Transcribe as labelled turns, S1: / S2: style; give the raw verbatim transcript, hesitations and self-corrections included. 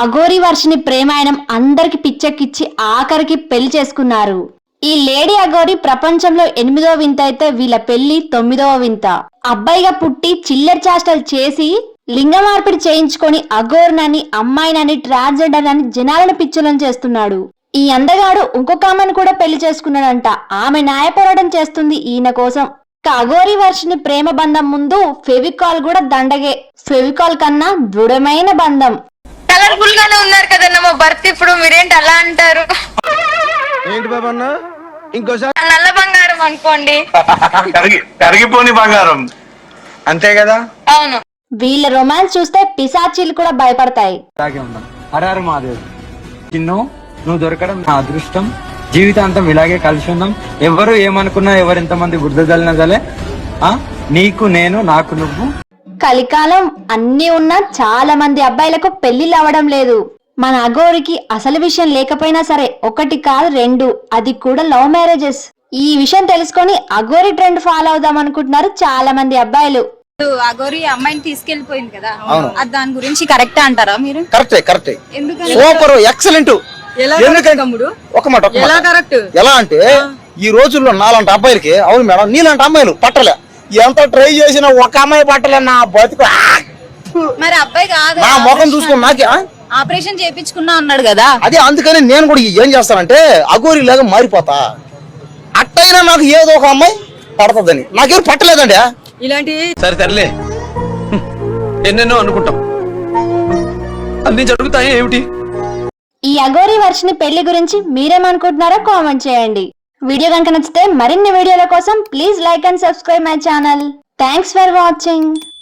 S1: అఘోరి వర్షిని ప్రేమాయణం అందరికి పిచ్చెక్కిచ్చి ఆఖరికి పెళ్లి చేసుకున్నారు. ఈ లేడీ అఘోరి ప్రపంచంలో ఎనిమిదో వింత అయితే వీళ్ళ పెళ్లి తొమ్మిదవ వింత. అబ్బాయిగా పుట్టి చిల్లర చేష్టలు చేసి లింగ మార్పిడి చేయించుకొని అఘోరినని అమ్మాయినని ట్రాన్స్జెండర్ అని జనాలను పిచ్చలను చేస్తున్నాడు. ఈ అందగాడు ఇంకొక ఆమెను కూడా పెళ్లి చేసుకున్నాడంట. ఆమె న్యాయ పోరాటం చేస్తుంది ఈయన కోసం. అఘోరి వర్షిని ప్రేమ బంధం ముందు ఫెవికాల్ కూడా దండగే. ఫెవికాల్ కన్నా దృఢమైన బంధం.
S2: కలర్ఫుల్ గానే ఉన్నారు కదన్న మా భర్త. ఇప్పుడు మీరేంటి అలా అంటారు?
S3: ఏంటి బాబన్నా ఇంకోసారి
S2: నల్ల బంగారం అనుకోండి.
S4: కరిగిపోని బంగారం అంతే కదా.
S2: అవును.
S1: వీళ్ళ రొమాన్స్ చూస్తే పిశాచీలు కూడా భయపడతాయి.
S5: హరారు మాదేవ్ చిన్ను, నువ్వు దొరకడం నా అదృష్టం. జీవితాంతం ఇలాగే కలిసి ఉందాం. ఎవరు ఏమనుకున్నా, ఎవరు ఎంతమంది బుద్ధ జల్లినా జలే, ఆ నీకు నేను, నాకు నువ్వు.
S1: కలికాలం అన్ని ఉన్నా చాలా మంది అబ్బాయిలకు పెళ్లిళ్ళు అవ్వడం లేదు. మన అఘోరికి అసలు విషయం లేకపోయినా సరే ఒకటి కాదు రెండు, అది కూడా లవ్ మ్యారేజెస్. ఈ విషయం తెలుసుకొని అఘోరి ట్రెండ్ ఫాలో అవుదాం అనుకుంటున్నారు చాలా మంది అబ్బాయిలు.
S6: అఘోరి అమ్మాయిని తీసుకెళ్లిపోయింది కదా, అది దాని గురించి కరెక్ట్ అంటారా మీరు?
S3: కరెక్టే కరెక్టే
S6: ఎందుకని?
S3: Super excellent. ఒక మాట
S6: ఎలా కరెక్ట్?
S3: ఎలా అంటే ఈ రోజుల్లో నాలాంటి అబ్బాయిలకి, అవును మేడం నీలాంటి అమ్మాయిలు పట్టలే. ఎంత ట్రై చేసినా ఒక అమ్మాయి పట్టలే. నా బతుకు
S6: మరి అబ్బాయి కాదు,
S3: నా ముఖం చూసుకుని నాకే
S6: ఆపరేషన్ చేయించుకున్నా అన్నాడు కదా.
S3: అదే అందుకని నేను కూడా ఏం చేస్తానంటే అఘోరి లాగా మారిపోతా. అట్టయినా నాకు ఏదో ఒక అమ్మాయి పడుతుందని. నాకేం పట్టలేదండి
S6: ఇలాంటి.
S7: సరే తరలే, ఎన్నెన్నో అనుకుంటాం, అన్ని జరుగుతాయి ఏమిటి?
S1: ఈ అఘోరి వర్షిని పెళ్లి గురించి మీరేమనుకుంటున్నారో కామెంట్ చేయండి. వీడియో కనుక నచ్చితే మరిన్ని వీడియోల కోసం please like and subscribe my channel. Thanks for watching.